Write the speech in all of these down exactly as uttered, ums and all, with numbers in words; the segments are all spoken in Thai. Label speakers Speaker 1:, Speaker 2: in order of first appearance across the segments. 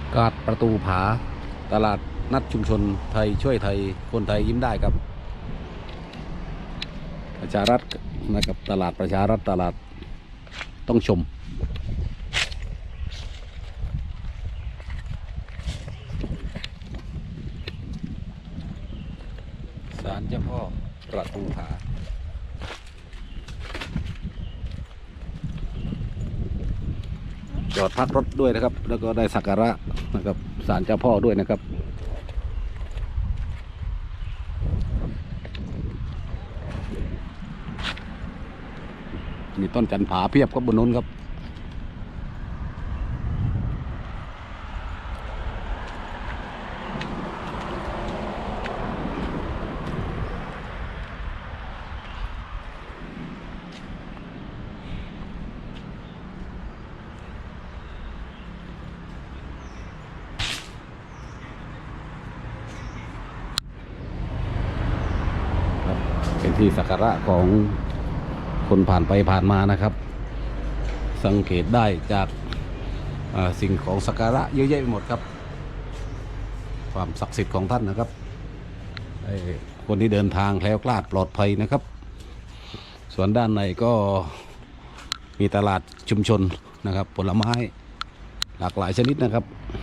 Speaker 1: กาดประตูผาตลาดนัดชุมชนไทยช่วยไทยคนไทยยิ้มได้ครับประชารัฐนะครับตลาดประชารัฐตลาดต้องชมศาลเจ้าพ่อประตูผาจอดพักรถด้วยนะครับแล้วก็ได้สักการะนะครับศาลเจ้าพ่อด้วยนะครับมีต้นจันผาเพียบครับบนนู้นครับเป็นที่สักการะของคนผ่านไปผ่านมานะครับสังเกตได้จากสิ่งของสักการะเยอะแยะไปหมดครับความศักดิ์สิทธิ์ของท่านนะครับคนที่เดินทางแคล้วคลาดปลอดภัยนะครับส่วนด้านในก็มีตลาดชุมชนนะครับผลไม้หลากหลายชนิดนะครับ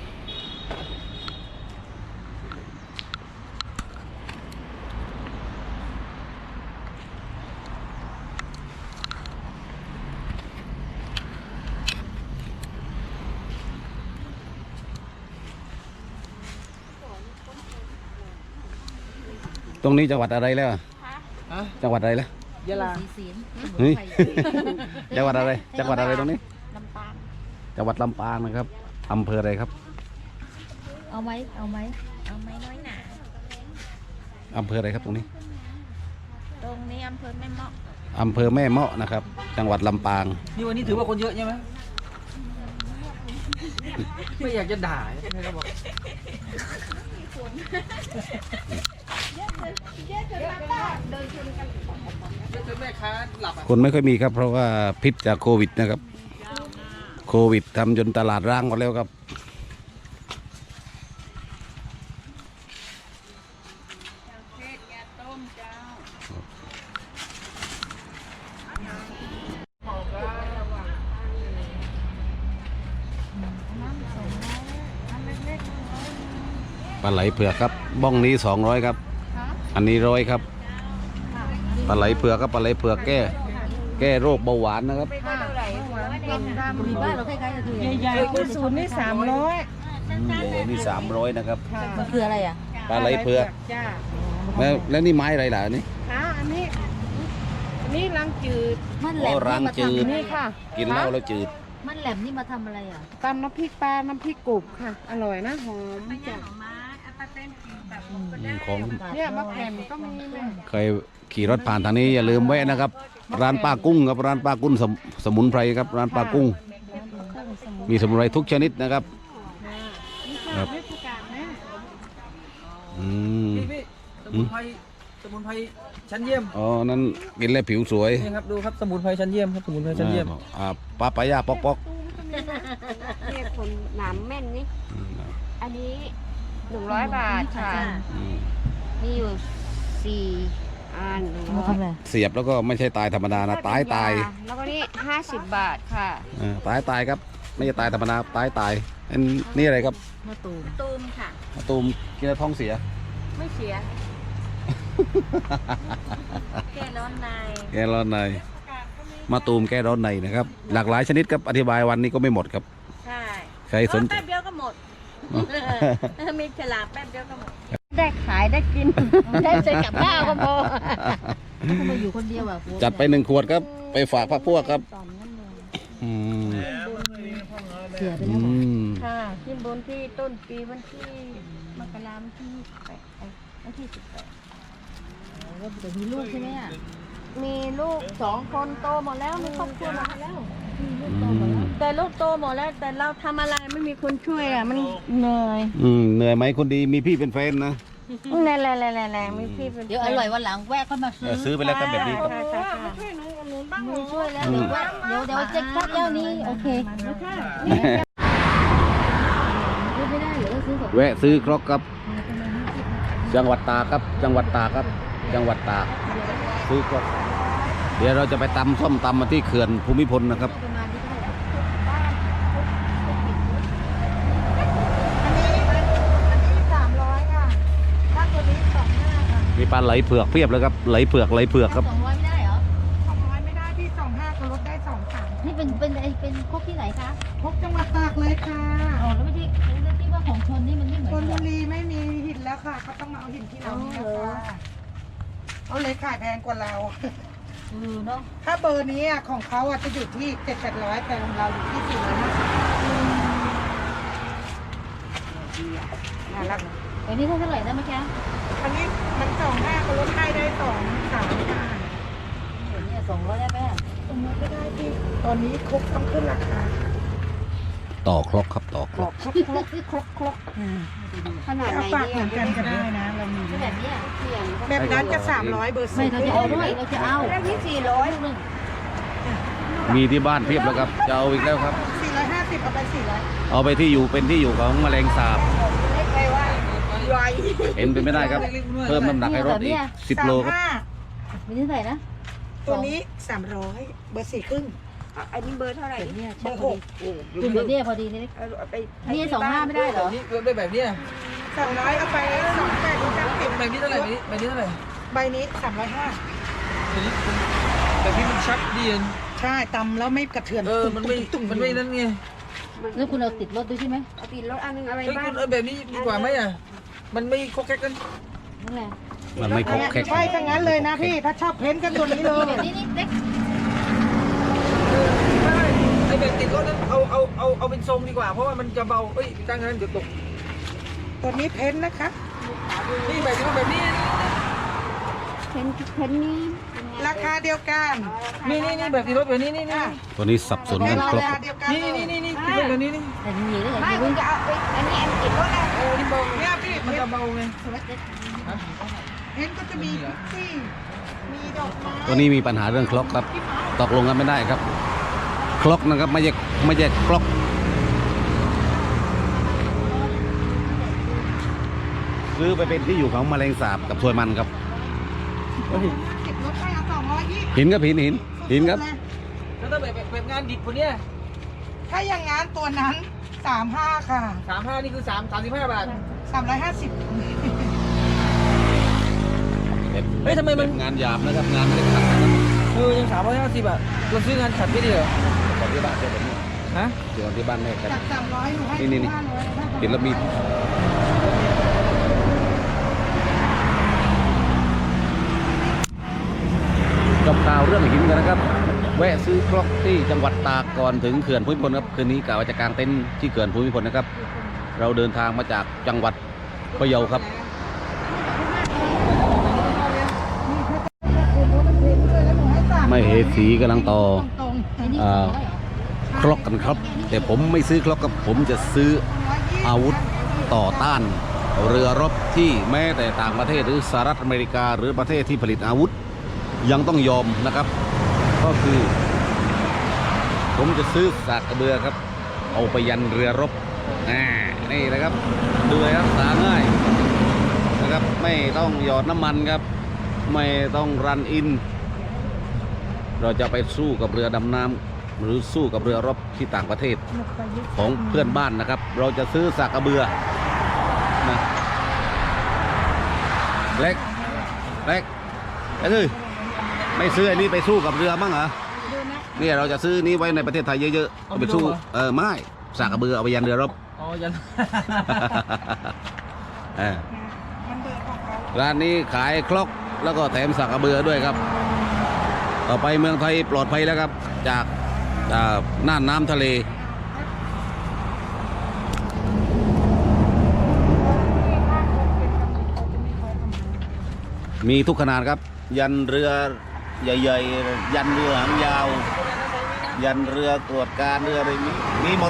Speaker 1: ตรงนี้จังหวัดอะไรแล้วจังหวัดอะไรแล้ว
Speaker 2: ยะลา
Speaker 1: เฮ้ยจังหวัดอะไรจังหวัดอะไรตรงนี้
Speaker 2: ลำปาง
Speaker 1: จังหวัดลำปางนะครับอำเภออะไรครับ
Speaker 2: เอาไหมเอาไหมเอาไหมน้อยหนา
Speaker 1: อำเภออะไรครับตรงนี้
Speaker 2: ตรงนี้อำเภอแม่เมาะ
Speaker 1: อำเภอแม่เมาะนะครับจังหวัดลำปาง
Speaker 3: นี่วันนี้ถือว่าคนเยอะใช่ไหมไม่อยากจะด่าใช่ไหมครับบอก
Speaker 1: คนไม่ค่อยมีครับเพราะว่าพิษจากโควิดนะครับโควิดทำจนตลาดร้างหมดแล้วครับปลาไหลเผือกครับบ้องนี้สองร้อยครับอันนี้ร้อยครับปลาไหลเผือกครับปลาไหลเผือกแก้แก้โรคเบาหวานนะครับ
Speaker 2: มีบ้านเราใกล้ๆก็คือ
Speaker 4: ใหญ่ๆคือศูนย์นี่สามร้อย
Speaker 1: ใหญ่นี่สามร้อยนะครับ
Speaker 2: มันคืออะไรอ่ะ
Speaker 1: ปลาไหลเผือกแล้วแล้วนี่ไม้อะไรล่ะนี่
Speaker 4: ค่ะอันนี้อันนี้รังจืด
Speaker 2: มันแหลม
Speaker 1: รังจืด
Speaker 4: นี่ค่ะ
Speaker 1: กินเหล้าแล้วจืด
Speaker 2: มันแหลมนี่มาทำอะไรอ่ะ
Speaker 4: ตำน้ำพริกปลาน้ำพริกกรุบค่ะอร่อยนะหอมจัด
Speaker 1: ของ
Speaker 4: เนี่ยมะแขวนก็มีแม่
Speaker 1: เคยขี่รถผ่านทางนี้อย่าลืมแวะนะครับร้านป้ากุ้งครับร้านป้ากุ้งสมุนไพรครับร้านป้ากุ้งมีสมุนไพรทุกชนิดนะครับครับอืม
Speaker 3: สมุนไพรสมุนไพรชั้นเยี่ยม
Speaker 1: อ๋อนั่นกินแล้วผิวสวย
Speaker 3: นี่ครับดูครับสมุนไพรชั้นเยี่ยมครับสมุนไพรชั้นเยี่ยม
Speaker 1: อ่าปลาปลายาปอกปอก
Speaker 4: นี่คนหนามแม่นนี่อันนี้หนึ่งร้อยบาทค่ะมีอยู่สี่อัน
Speaker 2: มาทำอะไร
Speaker 1: เสียบแล้วก็ไม่ใช่ตายธรรมดานะตายตาย
Speaker 4: แล้วก็นี่ห้าสิบบาทค่ะ
Speaker 1: ตายตายครับไม่ใช่ตายธรรมดาตายตายอันนี่อะไรครับ
Speaker 2: มะตูม
Speaker 4: ตูมค่ะ
Speaker 1: มะตูมกินแล้วท้องเสีย
Speaker 4: ไม่เสียแก้ร้อนใน
Speaker 1: แก้ร้อนในมะตูมแก้ร้อนในนะครับหลากหลายชนิดครับอธิบายวันนี้ก็ไม่หมดครับ
Speaker 4: ใช่
Speaker 1: ใครสนใจ
Speaker 4: แป๊บเดียวก็หมดมีฉลากแป๊บเดียวก็หมดได้ขายได้กินได้ใช้กับข้าวก็พอ
Speaker 2: ทำไมอยู่คนเดียวอ่ะ
Speaker 1: จัดไปหนึ่งขวดครับไปฝากพรรคพวกครับ
Speaker 2: เสียไปแล้ว
Speaker 4: ค่ะขึ้นบนที่ต้นปีวันที่มกราคมที่แปดวันที่สิบแปด
Speaker 2: แล้วจะมีลูกใช่ไหมอ่ะ
Speaker 4: มีลูกสองคนโตหมดแล้วมีครอบครัวหมดแล้วแต่ลูกโตหมดแล้วแต่เราทำอะไรไม่มีคนช่วยอ่ะมันเหนื่อย
Speaker 1: อืมเหนื่อยไหมคนดีมีพี่เป็นแฟนนะ
Speaker 4: แน่แน่แน่แน่แน่ไม่พี่
Speaker 2: เดี๋ยวอร่อยวันหลังแวะเข้ามาซื้อ
Speaker 1: ซื้อไปแล้วก็แบบนี้
Speaker 4: มือช่วยแล้ว
Speaker 2: เดี๋ยวเดี๋ยวเดี๋ยวเจ๊กเจ้านี้โอเคไม่ได้
Speaker 1: แวะซื้อครกครับ จังหวัดตากครับ จังหวัดตากครับ จังหวัดตากซื้อครกเดี๋ยวเราจะไปตำส้มตำมาที่เขื่อนภูมิพลนะครับ
Speaker 2: ประมาณนี้เท่าไหร่
Speaker 5: อันนี้อันนี้สามร้อยค่ะถ้าตัวนี้สองห้าค่ะ
Speaker 1: มีปลาไหลเผือกเพียบเลยครับ ไหลเผือกไหลเผือกครับ
Speaker 2: สองร้อยไม่ได้เหรอ
Speaker 5: สองร้อยไม่ได้พี่สองห้าก็ลดได้สองสาม
Speaker 2: นี่เป็นเป็นไอเป็นครกที่ไหนคะ
Speaker 5: พบจังหวัดตากเลยค่ะ
Speaker 2: อ๋อแล้วไม่ใช่แล้วที่ว่าของชนนี่มันไม่เหมือน
Speaker 5: ช
Speaker 2: กัน
Speaker 5: ล
Speaker 2: เหร
Speaker 5: บุ
Speaker 2: อ
Speaker 5: รีไม่มีหินแล้วค่ะเขาต้องมาเอาหินที่เราเนี่ยค่ะเขาเลยขายแพงกว่าเรา
Speaker 2: เออเนาะ
Speaker 5: ถ้าเบอร์นี้อะของเขาอะจะอยู่ที่เจ็ดแปดร้อยแต่ของเราอยู่ที่สี่ร้อยห้าสิบ
Speaker 4: น่ารัก
Speaker 2: อันนี้เท่าไหร่นะเมื่อกี้
Speaker 5: อันนี้มันสองห้าก็ลดให้ได้สองสามห้า
Speaker 2: เห็นเนี่ยสองร้อยได้ไหมอะ
Speaker 5: ตรงนี้ก็ได้พี่ตอนนี้ครบต้องขึ้นราคา
Speaker 1: ต่อครกครับต่อครก
Speaker 4: ครกครกครกครกขนาดไห
Speaker 5: เอา
Speaker 4: น
Speaker 5: ฝาก
Speaker 4: ดี
Speaker 5: เหมือนกันก็ได้นะเรามี
Speaker 2: แบบเนี้ย
Speaker 4: เสียง
Speaker 5: แบบนั้นจะสามร้อยเบอร์
Speaker 2: ไม่
Speaker 5: สี่
Speaker 2: เราจะเอาด้วยเราจะเอา
Speaker 4: แล้วที่สี่ร้อย
Speaker 2: ลูกหนึ่ง
Speaker 1: มีที่บ้านเพียบแล้วครับ จะเอาอีกแล้วครับ
Speaker 5: สี่ร้อยห้าสิบเอาไปสี่ร้อย
Speaker 1: เอาไปที่อยู่เป็นที่อยู่ของแมลงสาบ
Speaker 4: เล็กไปว่าใหญ่
Speaker 1: เอ็นเป็นไม่ได้ครับ เพิ่มน้ำหนักให้รถอีกสิบโลครับ
Speaker 5: สามห้า
Speaker 2: มีที่ไหนนะ
Speaker 5: ตัวนี้สามร้อยเบอร์สี่ครึ่ง
Speaker 4: อันนี้เบอร์เท่าไหร่
Speaker 2: แบบเนี้ย
Speaker 5: เบอร์หก
Speaker 2: คุณแบบเนี้ยพอดีนี่
Speaker 4: เอาไป
Speaker 2: นี่สองห้าไม่ได้เหรอ
Speaker 3: นี่ได้แบบเนี้ย
Speaker 5: สามร้อยเอาไปสองแปดถึงสามสิบ
Speaker 3: แบบนี้เท่าไหร่แบบนี้แบบนี้เท่าไหร่
Speaker 5: ใบนี้สามร้อยห้า
Speaker 3: แบบนี้แบบนี้มันชักดีน
Speaker 5: ใช่ตำแล้วไม่กระเทือน
Speaker 3: เออมันไม่
Speaker 5: ตุ้
Speaker 3: มันไม่นั่นไง
Speaker 2: แล้วคุณเอาติดรถด้วยใช่ไหม
Speaker 4: เอาติดรถอันนึงอะไร
Speaker 3: เฮ้ย
Speaker 4: บ้า
Speaker 3: คุ
Speaker 4: ง
Speaker 3: ณเออแบบนี้ดีกว่าไหมอ่ะมันไม่โคกแคกกัน
Speaker 2: นั่นแหละ
Speaker 1: มันไม่ครกแคก
Speaker 5: ใช่ทั้งนั้นเลยนะพี่ถ้าชอบเพ้นท์กันตัวนี้เลย
Speaker 2: แบบนี้นี่เล็ก
Speaker 3: ไม่ไอแบบติดรถนั้นเอาเอาเอาเอาเป็นทรงดีกว่าเพราะว่ามันจะเบาเอ้ยตั้งนั้นเดี๋ยวตก
Speaker 5: ตัวนี้เพ้นท์นะคะ
Speaker 3: นี่แบบนี้แบบนี้
Speaker 4: เพนเพนนี่
Speaker 5: ราคาเดียวกัน
Speaker 3: นี่นี่นี่แบบติดรถแบบนี้นี่นี่
Speaker 1: ตัวนี้สับสน
Speaker 5: เป็
Speaker 1: กัน น
Speaker 5: รา
Speaker 1: ครก
Speaker 5: คา
Speaker 1: ครับ
Speaker 5: เดียวกัน
Speaker 3: นี่นี่นี่นี่ติดรถแบบนี้นี่
Speaker 2: แต่มีได้ไง
Speaker 4: ไม่
Speaker 2: ไม่
Speaker 4: คุ
Speaker 2: รู้
Speaker 4: ณจะเอาไปอันนี้อันติดรถอะ
Speaker 3: โอ้นี่เบา
Speaker 5: เนี่ยพี่
Speaker 3: มันจะเบาไง
Speaker 5: เพ้นท์ก็จะมีที่มีดอกไม้
Speaker 1: ตัวนี้มีปัญหาเรื่องครกครับ ตกลงกันไม่ได้ครับ ครกนะครับไม่ใช่ไม่ใช่ครกซื้อไปเป็นที่อยู่ของแมลงสาบกับถวยมันครับ
Speaker 5: เก็บรถไปเอาสองร้อยยี่
Speaker 1: หินครับหินหินหินครับ
Speaker 3: แล้วถ้าแบบแบบงานดิบคนเนี้ย
Speaker 5: ถ้าอย่างงั้นตัวนั้นสามห้าค่ะ
Speaker 3: สามห้านี่คือสามสามสิบห้าบาท
Speaker 5: สามร้อยห้าสิบ
Speaker 3: เฮ้ยทำไมมัน
Speaker 1: งานหยาบนะครับงานไม่ได้ขัดนะครับ
Speaker 3: เออยังสามร้อยห้าสิบอ่ะเราซื้องานขัดไม่ดีเหรอ
Speaker 1: ตอนที่บ้านเจอแบบนี้
Speaker 3: ฮะ
Speaker 1: เจอที่บ้านแม่ครับ
Speaker 5: จากสามร้อยหนูให้
Speaker 1: นี่นี่นี่
Speaker 5: ห้าร้อยนะ
Speaker 1: ติดแล้วมีจบข่าวเรื่องหินกันนะครับ แวะซื้อครกที่จังหวัดตากก่อนถึงเขื่อนภูมิพลครับคืนนี้กะว่าจะกางเต็นท์ที่เขื่อนภูมิพลนะครับ เราเดินทางมาจากจังหวัดพะเยาครับ ไม่เหสีกำลังต่อ
Speaker 5: ตรง
Speaker 2: ไอ้นี่
Speaker 1: อ่า
Speaker 2: สองร้อยเหรอ
Speaker 1: ครกกันครับ แต่ผมไม่ซื้อครกครับผมจะซื้ออาวุธต่อต้านเรือรบที่แม้แต่ต่างประเทศหรือสหรัฐอเมริกา หรือประเทศที่ผลิตอาวุธยังต้องยอมนะครับ ก็คือ ผมจะซื้อสากกระเบือครับ เอาไปยันเรือรบอ่านี่นะครับดูเลยครับสาง่ายนะครับไม่ต้องหยอดน้ำมันครับ ไม่ต้องรันอิน เราจะไปสู้กับเรือดำน้ำหรือสู้กับเรือรบที่ต่างประเทศของเพื่อนบ้านนะครับ เราจะซื้อสากกระเบือนะเล็กเล็กเอ้ยไม่ซื้ออันนี้ไปสู้กับเรือบ้างเหรอเนี่ยเราจะซื้อนี้ไว้ในประเทศไทยเยอะๆเอาไปสู้เออไม่สากกระเบือเอาไปยันเรือรบ
Speaker 3: อ๋อยัน
Speaker 1: เออ
Speaker 5: มันเบอร์ของเขา
Speaker 1: ร้านนี้ขายครกแล้วก็แถมสากกระเบือด้วยครับ ต่อไปเมืองไทยปลอดภัยแล้วครับ จากอ่าน่านน้ำทะเล มีทุกขนาดครับ ยันเรือใหญ่ๆ ยันเรือหางยาว ยันเรือตรวจการเรืออะไรมีมีหมด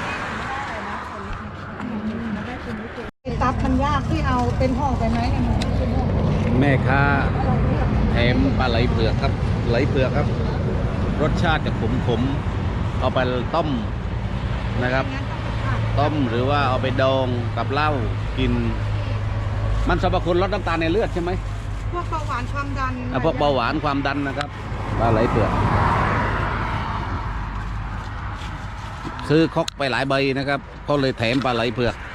Speaker 5: ตับมันยากที่เอาเป็นห่อไปไหมเนี่ยมันเป็นห่อ
Speaker 1: แม่ค้าแถมปลาไหลเผือกครับ ไหลเผือกครับ รสชาติจะขมๆเอาไปต้มนะครับ
Speaker 5: งั้นต้องไปผัด
Speaker 1: ต้มหรือว่าเอาไปดองกับเหล้ากิน มันสรรพคุณลดน้ำตาลในเลือดใช่ไหม
Speaker 5: พวกเบาหวานความดัน
Speaker 1: อ่ะพวกเบาหวานความดันนะครับปลาไหลเผือกซื้อครกไปหลายใบนะครับเขาเลยแถมปลาไหลเผือก